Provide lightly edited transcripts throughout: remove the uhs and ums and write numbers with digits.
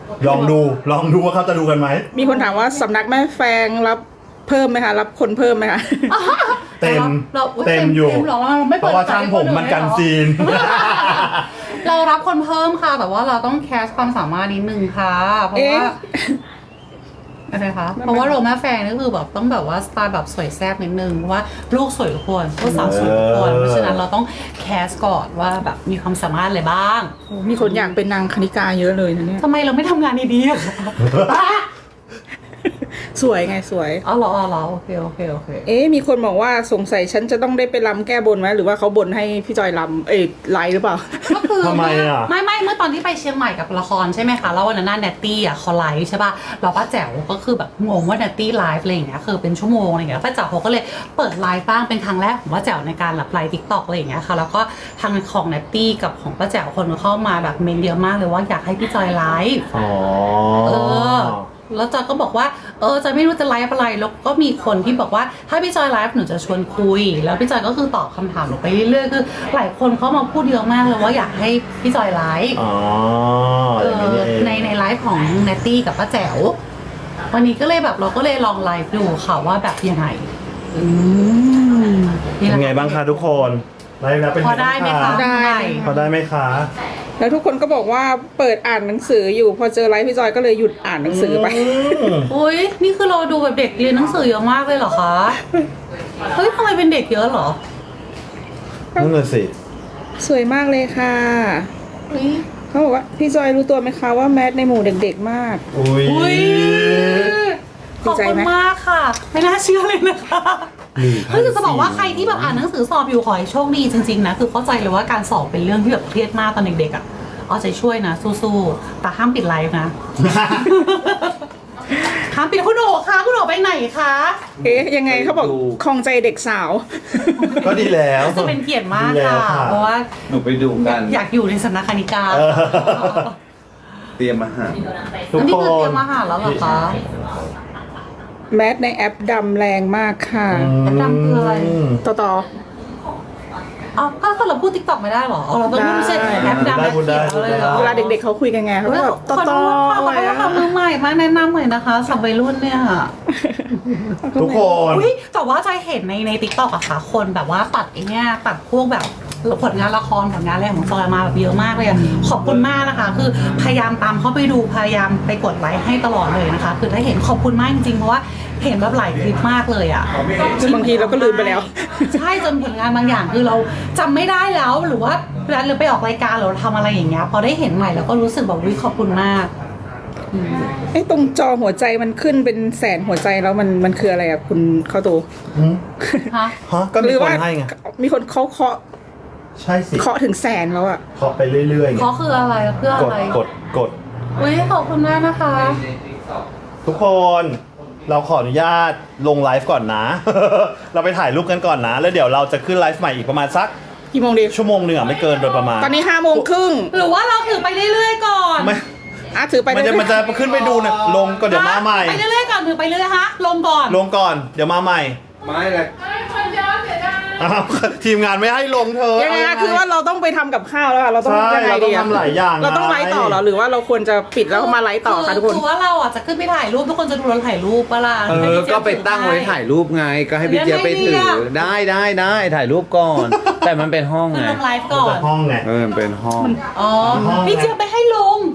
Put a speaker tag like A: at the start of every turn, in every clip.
A: ลองดูว่าเขาจะดูกันไหม
B: มีคนถามว่าสำนักแม่แฟงรับเพิ่มไหมคะรับคนเพิ่มไหมคะ
A: เต็มอยู่
C: หรอไม่
A: เพราะว่าช่างผมมันกันซีน
C: เรารับคนเพิ่มค่ะแต่ว่าเราต้องแคสความสามารถนิดนึงค่ะเพราะว่าอะไรคะเพราะว่าโรแม่แฟงนี่คือแบบต้องแบบว่าสไตล์แบบสวยแซ่บนิดนึงเพราะว่าลูกสวยทุกคนลูกสาวสวยทุกคนเพราะฉะนั้นเราต้องแคสก่อนว่าแบบมีความสามารถอะไรบ้าง
B: มีคนอยากเป็นนางคณิกาเยอะเลยนะเนี่ย
C: ทำไมเราไม่ทำงานดีๆอะคะ
B: สวยไงสวย
C: อ๋อเหรอโอเค
B: มีคนบอกว่าสงสัยฉันจะต้องได้ไปรำแก้บนไหมหรือว่าเขาบนให้พี่จอยรำไลฟ์หรือเปล่า
C: ก็คือ
A: ทำไมอ่ะ
C: ไม่เมื่อตอนที่ไปเชียงใหม่กับละครใช่ไหมคะแล้ววันนั้นแนตตี้อ่ะเขาไลฟ์ใช่ป่ะเราป้าแจ๋วก็คือแบบงงว่าแนตตี้ไลฟ์อะไรอย่างเงี้ยคือเป็นชั่วโมงอะไรอย่างเงี้ยป้าแจ๋วเขาก็เลยเปิดไลฟ์บ้างเป็นครั้งแรกของป้าแจ๋วในการแบบไลฟ์ทิกตอกอะไรอย่างเงี้ยค่ะแล้วก็ทางของแนตตี้กับของป้าแจ๋วคนเข้ามาแบบเมนเยอะมากเลยว่าอยากให้พี่จอยไลฟ์
A: อ๋อ
C: แล้วจอยก็บอกว่าจอยไม่รู้จะไลฟ์อะไรแล้วก็มีคนที่บอกว่าถ้าพี่จอยไลฟ์หนูจะชวนคุยแล้วพี่จอยก็คือตอบคำถามหนูไปเรื่อยๆคือหลายคนเขามาพูดเยอะมากเลยว่าอยากให้พี่จอยไลฟ์
A: อ๋ออย่างนี้นี่เอง
C: ในไลฟ์ของแนตตี้กับป้าแจ๋ววันนี้ก็เลยแบบเราก็เลยลองไลฟ์ดูค่ะว่าแบบยังไง
A: เป็นไงบ้างคะทุกคนไลฟ์แล้วเป็น
C: พอ
A: ไง
C: ได้ไหม
A: บ้าง
C: คะ
B: ได้
A: พอได้ไหมคะ
B: แล้วทุกคนก็บอกว่าเปิดอ่านหนังสืออยู่พอเจอไลฟ์พี่จอยก็เลยหยุดอ่านหนังสือไป
C: อุ้ยนี่คือเราดูแบบเด็กเรียนหนังสือเยอะมากเลยเหรอคะเฮ้ยทำไมเป็นเด็กเยอะเหรอ
A: นั่นน่ะสิ
B: สวยมากเลยค่ะเขาบอกว่าพี่จอยรู้ตัวไหมคะว่าแมทในหมู่เด็กๆมาก
A: อุ้ย
C: ขอบคุณมากค่ะ ไม่น่าเชื่อเลยนะคะก็คือจะบอกว่าใครที่แบบอ่านหนังสือสอบอยู่ขอให้โชคดีจริงๆนะคือเข้าใจเลยว่าการสอบเป็นเรื่องที่แบบเครียดมากตอนเด็กๆอ่ะเอาใจช่วยนะสู้ๆแต่ห้ามปิดไลฟ์นะ ห้ามปิดคุณโอ๋คะคุณโอ๋ไปไหนคะ
B: ยังไงเขาบอกคลองใจเด็กสาว
A: ก็ดีแล้ว
C: จะเป็นเกียรติมาก
A: ดีแล้ว
C: ค่ะ
A: ค่ะ
C: เพราะว่า
D: หนูไปดูกัน
C: อยากอยู่ในสำนักคณิกา
D: เตรียมอาหาร
A: ทุก
C: นี่
A: ค
C: คือเตรียมอาหารแล้วเหรอคะ
B: แมทในแอปดำแรงมากค่ะ
C: แอปดำคืออะไร
B: ต่อ
C: อ้าวก็เราพูดติ๊กต็อกไม่ได้เหรอเราต้องไม่ใช่แอปดำแอปเขียวเลยเหรอ
B: เวลาเด็กๆเขาคุยกันไงเขาก็แบบ
C: ขอโทษค่ะขอโทษค่ะมือใหม่มาแนะนำหน่อยนะคะสับวัยรุ่นเนี่ย
A: ทุกคน
C: อุ้ยแต่ว่าจอยเห็นในติ๊กต็อกอะค่ะคนแบบว่าตัดไอ้เนี่ยตัดพวกแบบผลงานละครผลงานอะไรของจอยมาแบบเยอะมากเลยอะขอบคุณมากนะคะ คือพยายามตามเข้าไปดูพยายามไปกดไลค์ให้ตลอดเลยนะคะ คือถ้าเห็นขอบคุณมากจริงๆเพราะว่าเห็นแบบหลายคลิปมากเลยอะ
B: บางทีเราก็ลืมไปแล้ว
C: ใช่จนผลงานบางอย่างคือเราจำไม่ได้แล้วหรือว่าเวลาเราไปออกรายการหรือเราทำอะไรอย่างเงี้ยพอได้เห็นใหม่เราก็รู้สึกแบบวิขอบคุณมาก
B: ตรงจอหัวใจมันขึ้นเป็นแสนหัวใจแล้วมันคืออะไรอ่ะคุณเข้าตู
C: ฮะ
A: ฮะก็มีคนให้ไง
B: มีคนเขาเคาะ
A: ใช่สิ
B: เคาะถึงแสนแล้วอ่ะ
A: เคาะไปเรื่อยๆไง
C: เขาคืออะไรเพื่อก อะ
A: ด
C: ไร
A: กด
C: อุ้ยขอบคุณมากนะคะ
A: ทุกคนเราขออนุญาตลงไลฟ์ก่อนนะ เราไปถ่ายรูปกันก่อนนะ แล้วเดี๋ยวเราจะขึ้นไลฟ์ใหม่อีกประมาณสัก
B: กี่โมงดี
A: ชั่วโมงหนึ่งอ่ะไม่เกินโดยประมาณ
B: ตอนนี้5:30
C: หรือว่าเราถือไปเรื่อยๆก่อน
A: ไม่
B: ถือไป
A: มันจะ
B: เรื่อยๆ
A: ขึ้นไปดูนะลงก็เดี๋ยวมาใหม่
C: ไปเรื่อยๆก่อนถือไปเรื่อยๆฮะลงก่อน
A: ลงก่อนเดี๋ยวมาใหม่
D: ไม่เลย
A: อ้าวทีมงานไม่ให้ลงเธอ
B: ยังไงนะคือว่าเราต้องไปทำกับข้าวแล้วอะเราต้อง
A: ใช่
B: ยังไง
A: เราต้
B: ดี
A: อง
B: อะ
A: ทำหลายอย่าง
B: เราต้องไลฟ์ต่อเหรอหรือว่าเราควรจะปิดแล้วมาไลฟ์ต่อคะทุกคน
C: คือว่าเราอ่ะจะขึ้นไปถ่ายรูปทุกคนจะดูเราถ่ายรูปปะล่ะ
D: ก็ไปตั้งไว้ถ่ายรูปไง ก็ให้พี่เจี๊ยบไปถือ ได้ถ่ายรูปก่อน แต่มันเป็นห้อง
C: คือ
D: ไง
C: ลงไลฟ์ก่อน
A: ห้องไง
D: มันเป็นห้อง
C: อ๋อพี่เจี๊ยบไปให้ลง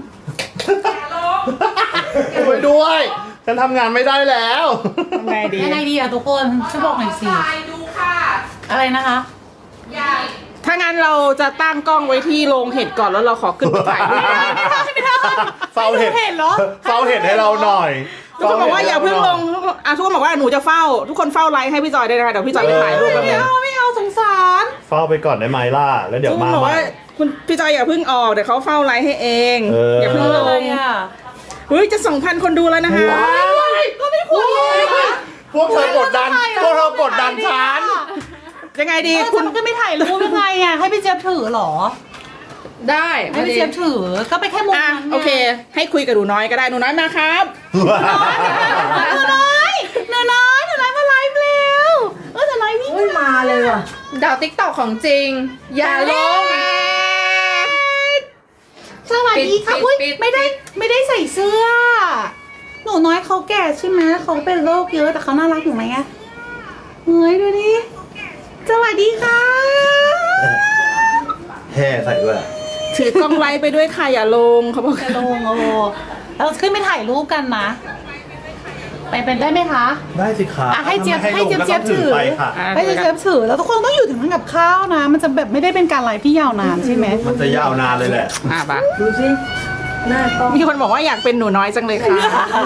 A: ไปด้วยฉันทำงานไม่ได้แล้ว
B: ทำไงดี
C: ยังไงดีอะทุกคนช่วยบอกหน่อยสิอะไรนะคะ
B: ถ้างั้นเราจะตั้งกล้องไว้ที่โรงเห็ดก่อนแล้วเราขอขึ้นไปถ่ายรูปกัน
A: เฝ้าเห็ด
C: ให้ดูเห็ดเหรอ
A: เฝ้าเห็ดให้เราหน่อย
B: ทุกคนบอกว่าอย่าเพิ่งลงทุกคนบอกว่าหนูจะเฝ้า ทุกคนเฝ้าไลฟ์ให้พี่จอยได้นะคะเดี๋ยวพี่จอยไปถ่ายรูปแป๊บนึง
C: ไม่เอาสงสาร
A: เฝ้าไปก่อนได้ไหมล่ะแล้วเดี๋ยว
B: ทุกคน
A: มา
B: บอก
A: ใหม่
B: ว่าคุณพี่จอยอย่าเพิ่งออกเดี๋ยวเขาเฝ้าไลฟ์ให้เอง อย่าเพิ่งล
C: อะไร
B: ง
C: อะ
B: เฮ้ยจะ 2,000 คนดูแล้วนะคะ
C: ก็ไม่ควรเลยนะ
A: พวกเธอกดดันฉัน
B: ยังไงดี
C: คุ
B: คุณ ณ
C: ก็ไม่ถ่ายรูปยังไงอะให้พี่เจี๊ยบถือเหรอ
B: ได้
C: ให้พี่เจี๊ยบถือก็ไปแค่มุม
B: อ่ะ
C: นั้นไง
B: โอเค ให้คุยกับหนูน้อยก็ได้หนูน้อยมาครับ
C: หนูน้อยมาไลฟ์เร็วหนูน้อยวิ่งมาเลยว่ะ
E: ดาวติ๊กตอกของจริง อย่าลง
C: สวัสดีค่ะ
E: ปิด
C: อุ้ย
E: ปิด
C: ไม่ได้ใส่เสื้อแก่ใช่ไหมเขาเป็นโรคเยอะแต่เขาน่ารักอยู่ไหมอะเฮ้ยดูดิสวัสดีค่ะ
A: แห่ใส่ด้วย
B: ถือกล้องไลฟ์ไปด้วยค่ะอย่าลงเขาบอก
C: จะลงโอ้เราขึ้นไปถ่ายรูปกันนะไปเป็นได้ไหมคะ
A: ได้สิคะ
C: อ่ะให้เจี๊ยบ
A: ถ้าไม่
C: ให้เจี๊ยบ
A: ลงก็ต้อง
C: ถือ
A: ไปค่ะ
C: ไม่จะเชฟถือแล้วทุกคนต้องอยู่ถึงทำกับข้าวนะ มันจะแบบไม่ได้เป็นการไลฟ์ที่ยาวนานใช่ไหม
A: มันจะยาวนานเลยแหละ
B: ปะดูสิมีคนบอกว่าอยากเป็นหนูน้อยจังเลยค่ะ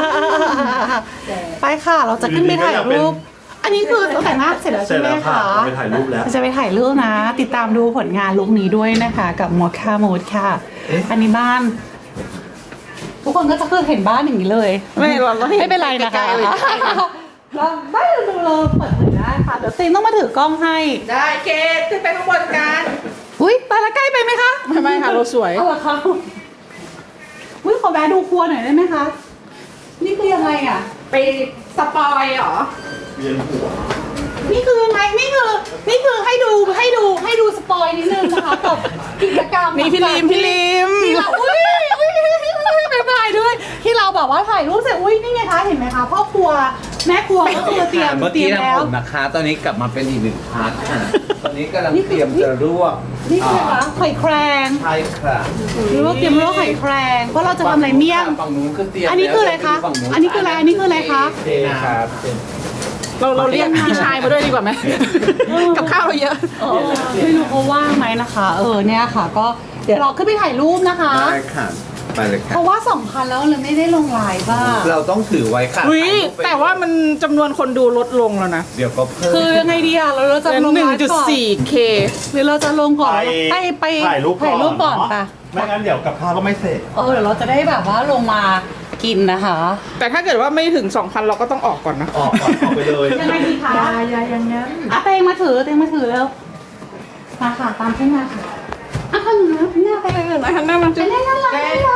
C: ไปค่ะ เราจะขึ้นไปถ่ายรูป อันนี้คือเราแต่งหน้าเสร็จแล้ว
A: เสร็
C: ใช่
A: จ
C: ไหม
A: แล้วค่ะ
C: คะ
A: เราไปถ่ายรูปแล้ว
C: เราจะไปถ่ายรูปนะ ติดตามดูผลงานลุคนี้ด้วยนะคะ กับมอคค่าโมดค่ะ อันนี้บ้าน ทุกคนก็จะคือเห็นบ้านอย่างนี้เลย
B: ไม่เราให้
C: ไม่เป็นไรนะคะ
B: ใกล้ๆเลย
C: เราได้ดูเราเปิดเผยได้ค่ะ เดี๋ยวเซนต้องมาถือกล้องให้
B: ได้เคสขึ้นไปข้างบนกัน
C: อุ้ยไปละใกล้ไปไหมคะ
B: ไม่ค่ะเราสวย
C: เอาเหรอคะอุ้ยขอแวะดูครัวหน่อยได้ไหมคะ นี่คือยังไงอ่ะ
B: ไปสปอยเหรอ
A: เวียนหัว
C: นี่คือยังไง นี่คือให้ดูสปอยนิดนึงนะคะกับกิจกรรม
B: นี่พี่ลิม
C: ที่เราอุ้ยบ๊ายบายด้วย ที่เราแบบว่าถ่ายรูปเสร็จอุ้ยนี่ไงคะเห็นไหมคะพ่อครัวแม่ครัวก็คือเตรียม
D: เมื่อ
C: เตรี
D: กี้
C: ยม
D: นะ
C: แล้ว
D: ผมนะคะ ตอนนี้กลับมาเป็นอีกหนึ่งพาร์ทค่ะตอนนี้กำลังเตรียมจะลวก
C: นี่คืออะไรคะหอยแครง
D: ใช่ค่ะ
C: หรือว่าเตรียมลวกหอยแครงเพราะเราจะทำอะไรเมี่ยง
D: ฝั่งนู้นคือเตรียม
C: อันนี้คืออะไรคะ
D: ฝั่งนู้น
C: อันนี้คืออะไรอันนี้คืออะไรคะ
D: เทครับ
B: เราเรียกพี่ชายมาด้วยดีกว่าไหมกับข้าวเราเยอะ
C: ไม่รู้เขาว่างไหมนะคะ เนี่ยค่ะ ก็เดี๋ยวเราขึ้นไปถ่ายรูปนะคะ
D: ได้ค่ะ ไปเลยค่ะ
C: เพราะว่า2,000แล้วเลยไม่ได้ลงไลน์บ้า
D: เราต้องถือไว้ค่ะ
B: อุ้ย
D: ถ่ยรูปไป
B: แต่ว่ามันจำนวนคนดูลดลงแล้วนะ
D: เดี๋ยวก็เพิ่ม
C: คือยังไงดีอะเราจะ
B: เป็น
C: ลงไลฟ์ก่อน
B: 1.4K
C: หรือเราจะลงก่อน ไป
A: ถ่ายรูปก่อน
C: ก่อน
A: เนาะ
C: ค่ะ
A: ไม่งั้นเดี๋ยวกับข้าวก็ไม่เสร็จ
C: เดี๋ยวเราจะได้แบบว่าลงมากินนะคะ
B: แต่ถ้าเกิดว่าไม่ถึง 2,000 เราก็ต้องออกก่อนนะ
A: ออกก่อนออกไปเลย
C: ยังไงดีคะยาอย่างนั้นเตงมาถือแล้วมาค่ะตามขึ้นมาค่ะขนมนะหน้าไปเลย
B: นะฮันน่ามันจะ
C: น่ารักน่ารัก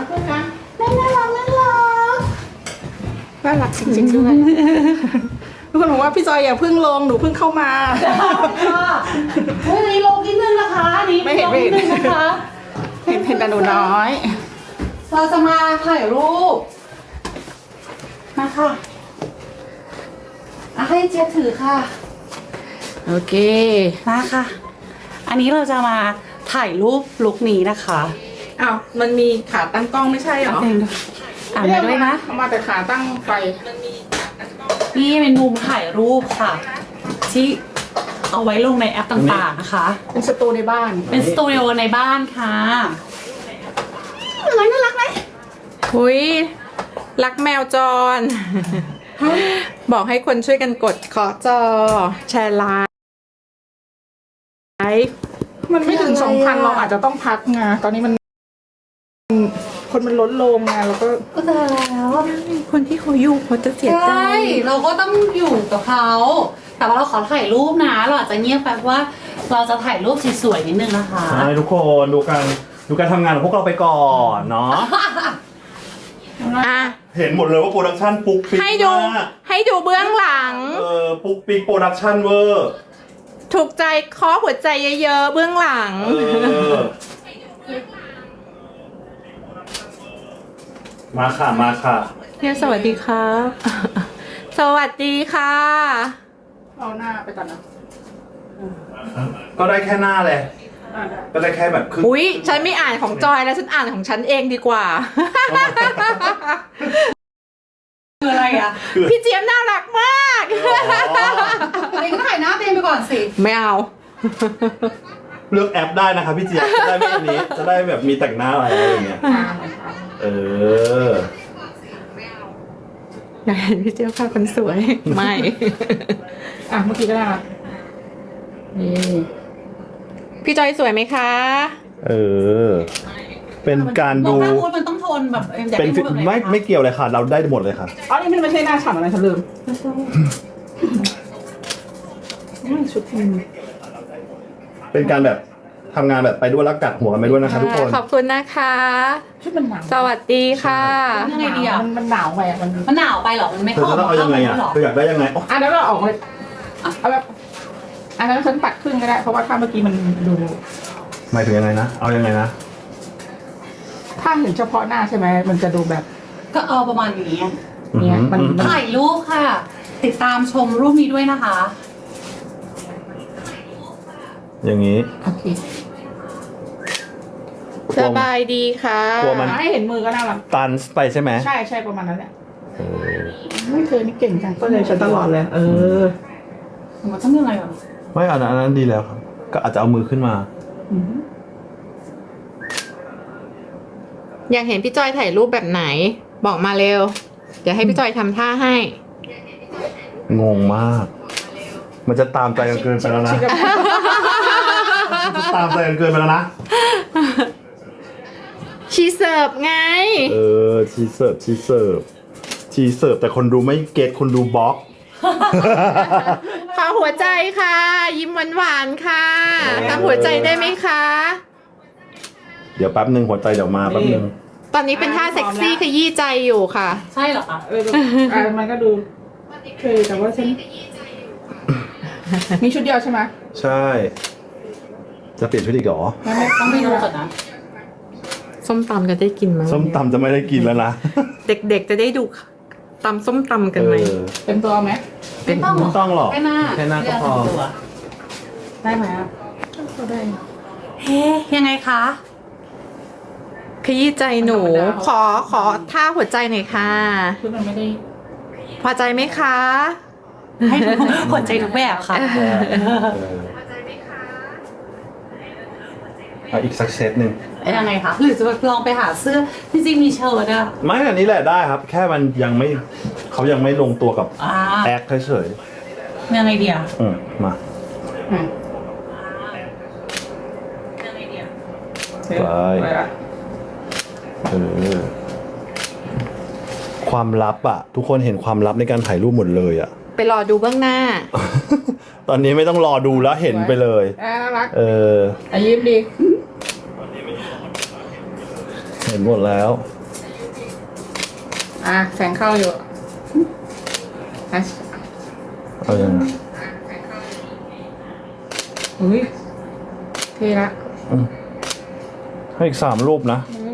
B: น่ารักจริงๆด้วยทุกคนบอกว่าพี่จอยอย่าเพิ่งลงหนูเพิ่งเข้ามา
C: เฮ้ยนี่ลงนิดนึงนะคะนี่
B: ไม่เห็น
C: ลงนิดนึงนะคะ
B: เห็นแต่หนูน้อย
C: เราจะมาถ่ายรูปมาค่ะให้เจี๊ยบถือค่ะ
B: โอเค
C: มาค่ะ อันนี้เราจะมาถ่ายรูปลุคนี้นะคะ
B: อ้าวมันมีขาตั้งกล้องไม่ใช่เหรอ
C: เองดูอ่านไปด้วยนะ
B: เอามาแต่ขาตั้งไฟ
C: นี่เป็นมุมถ่ายรูปค่ะ ที่เอาไว้ลงในแอปต่างๆนะคะ
B: เป็นสตูในบ้าน
C: เป็นสตูดิโอในบ้านค่ะน่ารักไหม
E: หุยรักแมวจร บอกให้คนช่วยกันกดขอจอ แชร์ไลฟ์
B: มันไม่ถึง 2,000 เราอาจจะต้องพักไงตอนนี้มัน คนมันลดลงไงแล้วก็
C: ก็ตายแล้ว
E: คนที่เขาอยู่เขาจะเสียใจ
C: ใช่เราก็ต้องอยู่กับเขาแต่ว่าเราขอถ่ายรูปนะเราอาจจะเงียบแป๊บว่าเราจะถ่ายรูปสวยๆนิดนึงนะคะ
A: ใช่ทุกคนดูการทำงานของพวกเราไปก่อนเนาะ
E: อ่ะ
A: เห็นหมดเลยว่าโปรดักชั่นปุ๊กปิ๊ก
E: ให้ดู
A: มาก
E: ให้ดูเบื้องหลัง
A: ปุ๊กปิ๊กโปรดักชั่นเวอร์
E: ถูกใจเคาะหัวใจเยอะๆเบื้องหลัง
A: มาค่ะมาค่ะ
E: เนี่ยสวัสดีครับ สวัสดีค่ะ
B: เอาหน้าไปก่อนนะ
A: ก็ได้แค่หน้าเลยก็ได้แค่แบบครึ่ง
E: อุ๊ย ฉันไม่อ่านของจอยแล้วฉันอ่านของฉันเองดีกว่า
C: คืออะไรอ่ะ
E: พี่เจี๊ยบน่ารักมาก
C: เองก็ถ่ายหน้าเองไปก่อนสิ
E: ไม่เอา
A: เลือกแอปได้นะคะพี่เจี๊ยบจะได้ไม่อันนี้จะได้แบบมีแต่งหน้าอะไรอย่างเงี้ยเออ
E: อยากเห็นพี่เจี๊ยบค่ะคนสวย ไม่
B: อ่ะเมื่อกี้ก็ได้ละ
E: นี่พี่จอยสวยไหมคะ
A: เออ เป็นการดู
C: หน้ามูดมันต้องโทนแบบอยาก
A: เป็น
C: ให้มูดแบบไหน
A: ไม่เกี่ยวเลยค่ะ เราได้หมดเลยค่ะ
B: อ๋อนี่มันไม่ใช่หน้าฉ่ำอะไรฉันลืมชุดพิมพ์
A: เป็นการแบบทำงานแบบไปด้วยแล้วกัดหัวกันไปด้วยนะคะทุกคน
E: ขอบคุณนะคะ
B: ชุดมันหนาว
E: สวัสดีค่ะ
C: ยังไงดีอ่ะ
B: มันหนาวไปอ่ะมัน
C: มันหนาวไปเหรอมันไม่
A: เธอจะต้องเอายังไงอ่ะ
C: หรอ
A: เธออยากได้ยังไงอ๋อ
B: อ่ะแล้วเราออกเลยเอาแบบอันนั้นฉันปัดครึ่งก็ได้ เพราะว่าถ้าเมื่อกี้มันดู
A: หมายถึงยังไงนะ เอายังไงนะ
B: ถ้าเห็นเฉพาะหน้าใช่ไหมมันจะดูแบบ
C: ก็เอาประมาณนี้
B: เนี่ยมัน
C: ถ่ายรูปค่ะ ติดตามชมรูปนี้ด้วยนะคะ
A: อย่างนี้
B: โอเค
E: สบายดีค่ะ
A: กลัวมัน
B: ให้เห็นมือก็น่ารัก
A: ตันไปใช่ไหม
B: ใช่ประมาณนั้นแหละ
A: เออ
B: ไม่เคยนี่เก่งจังก็เลยฉันตลอดเลย
C: มันต้องยังไงอ่ะ
A: ไม่อันนั้นดีแล้วครับ ก็อาจจะเอามือขึ้นมา
E: อยากเห็นพี่จอยถ่ายรูปแบบไหน บอกมาเร็ว เดี๋ยวให้พี่จอยทำท่าให้
A: งงมาก มันจะตามใจกันเกินไปแล้วนะ มันจะตามใจกันเกินไปแล้วนะ
E: ชีเสิร์ฟไง
A: เออ ชีเสิร์ฟแต่คนดูไม่เก็ตคนดูบล็อก
E: ขอหัวใจค่ะ ยิ้มหวานๆค่ะทำหัวใจได้ไหมคะ
A: เดี๋ยวแป๊บหนึ่งหัวใจเดี๋ยวมาแป๊บหนึ่ง
E: ตอนนี้เป็นท่าเซ็กซี่ขยี้ใจอยู่ค่ะ
C: ใช่เหรอคะ
B: มันก็ดูเคยแต่ว่าฉันมีชุดเดียวใช่ไหม
A: ใช่ จะเปลี่ยนชุดอีกเหรอ
C: ต้องไปดูก่อนนะ
E: ส้มตำจะได้กินไหม
A: ส้มตำจะไม่ได้กินแล้วนะ
E: เด็กๆจะได้ดูตำส้มตำกันไหม
A: เออ
B: เต็มตัวไหม
C: ไม่ต้องหร
A: ไม่
C: อก
A: ต้องหรอก
C: แค่หน้า
A: แค่หน้าก็พอ
C: ตัวได้ไหมอ่ะ
B: ก็ได้
C: เฮ้ยังไงคะ
E: ขยี้ใจหนู ขอท่าหัวใจหน่อยค่ะ
B: ชุดมันไม่ได้
E: พอใจไหมคะ
C: ให้ดูหัวใจทุกแบบค่ะ
A: เอาอีกสักเซตหนึ่ง
C: ยังไงคะ หรือจะลองไปหาเสื้อจริงๆมีเชิ้ตอะ
A: ไม่อันนี้แหละได้ครับ แค่มันยังไม่เขายังไม่ลงตัวกับ
C: อ่า
A: แอคเฉย
C: ยังไงเดียว
A: มา
C: ยังไงเดียว
A: ไปเออความลับอะทุกคนเห็นความลับในการถ่ายรูปหมดเลยอะ
E: ไปรอดูเบื้องหน้า
A: ตอนนี้ไม่ต้องรอดูแล้วเห็นไปเลย
B: น่ารัก
A: เออ
B: ยิ้มดี
A: เห็นหมดแล้ว
B: แสงเข้าอยู่
A: เอายังไง
B: อุ้ยเท่ละ
A: ให้อีก3 รูปนะ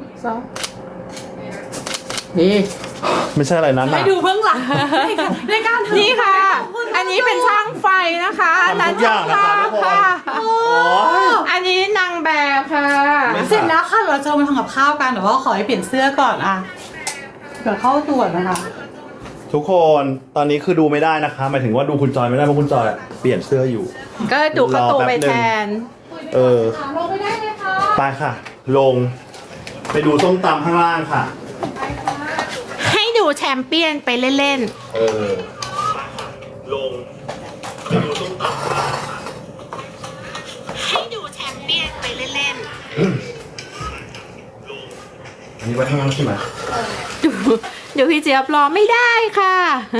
B: ดี
A: ไม่ใช่อะไรนั้น
C: ให้
A: นะ
C: ดูเบื้องหลังในการถือ
E: นี่ค่ะ อันนี้เป็นช่างไฟนะคะอันนั้น
A: ทำทุกอย่างนะคะทุกคน
E: โอ้อันนี้นางแบบค่ะ
C: เสร็จแล้วค่ะเราจะมาทำกับข้าวกันแต่ว่าขอให้เปลี่ยนเสื้อก่อนอะเดี๋ยวเข้าตรวจนะคะ
A: ทุกคนตอนนี้คือดูไม่ได้นะคะหมายถึงว่าดูคุณจอยไม่ได้เพราะคุณจอยอะเปลี่ยนเสื้ออยู่
E: ก็ดูเข้าตัวไปแทน
A: เออ
C: ลงไปได้เลยค่ะ
A: ไปค่ะ ลง ไปดูส้มตำข้างล่างค่ะ
E: ให้ดูแชมเปี้ยนไปเล่น
A: เออ ลง ไปดูส้มตำข้างล่างค่ะ
E: ๆ ให้ดูแชมเปี้ยนไปเล่น
A: อันนี้ไว้ข้างล่างใช่ไหม
E: ๆ ดูพี่เจี๊ยบรอไม่ได้ค่ะ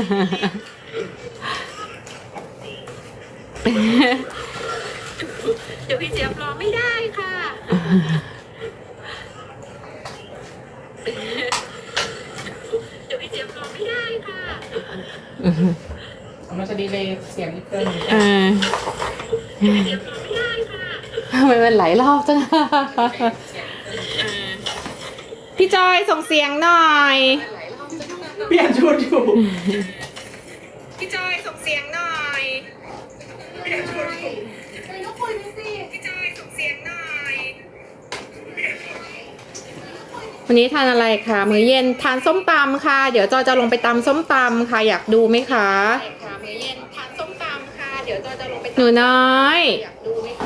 E: เดี๋ยวพี่เจี๊ยบรอไม่ได้ค่ะ เดี๋ยวพี่เจี๊ยบรอไม่ได้ค่ะ
B: มันจะดีเลยเสียงนิดเกิน
E: ทำไมมันหลายรอบจัง พี่จอยส่งเสียงหน่อย
B: เปลี่ยนชุดอยู่
E: พี่จอยส่งเสียงหน่อยพี่จอยส่งเสียงหน่อย วันนี้ทานอะไรคะมื้อเย็นทานส้มตำค่ะ เดี๋ยวจอยจะลงไปตำส้มตำค่ะ อยากดูไหมคะมื้อเย็นทานส้มตำค่ะ เดี๋ยวจอยจะลงไปหนูน้อยอยากดูไหมคะ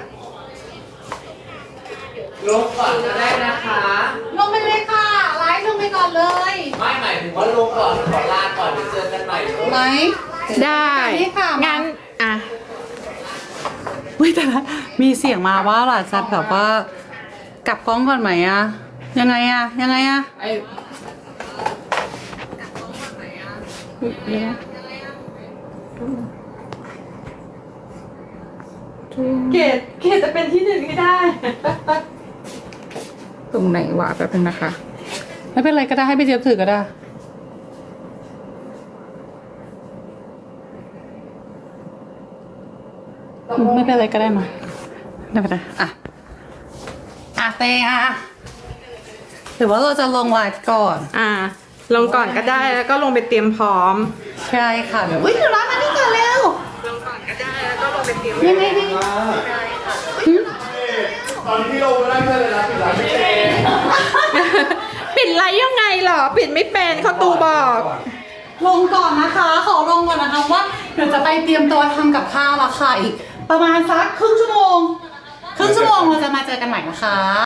D: ลงก่อนก็ได้นะคะ
C: ลงไปเลยค่ะ ไลฟ์ลงไปก่อนเลย
D: ไม่หมายถึงว่าลงก่อนขอลาก่อนเดี๋ยวเจอกันใหม่
C: ไหม
E: ได้
C: นี่ค่ะ
E: งั้นอ่ะ
C: อุ้ยแต่ละมีเสียงมาว่าหล่ะจะแบบว่ากลับกล้องก่อนไหมอะยังไงอะยังไงอะ
B: ไอ้
E: เกดจะเป็นที่หนึ่งให้ได้
B: ตรงไหนวะแป๊บนึงนะคะ
C: ไม่เป็นไรก็ได้ให้พี่เจี๊ยบถือก็ได้ไม่เป็นไรก็ได้มาไม่เป็นไรอ่ะเตงอ่ะหรือว่าเราจะลงไลฟ์ก่อน
E: อ่ะลงก่อนก็ได้แล้วก็ลงไปเตรียมพร้อม
C: ใช่ค่ะเดี๋ยวอุ้ยหนูร้านมานี่ก่อนเร็ว
E: ลงก่อนก็ได้แล้วก็ลงไปเตรียม
C: ยังไงดี
A: ตอนนี้พี่ลงได้เลยนะปิดร้านไม่เป็น
E: ปิดไลฟ์ยังไงเหรอ ปิดไม่เป็นเขาตูบอก
C: ลงก่อนนะคะ ขอลงก่อนนะคะว่าเดี๋ยวจะไปเตรียมตัวทำกับข้าวและค่ะอีก ประมาณสักครึ่งชั่วโมงเราจะมาเจอกันใหม่นะคะ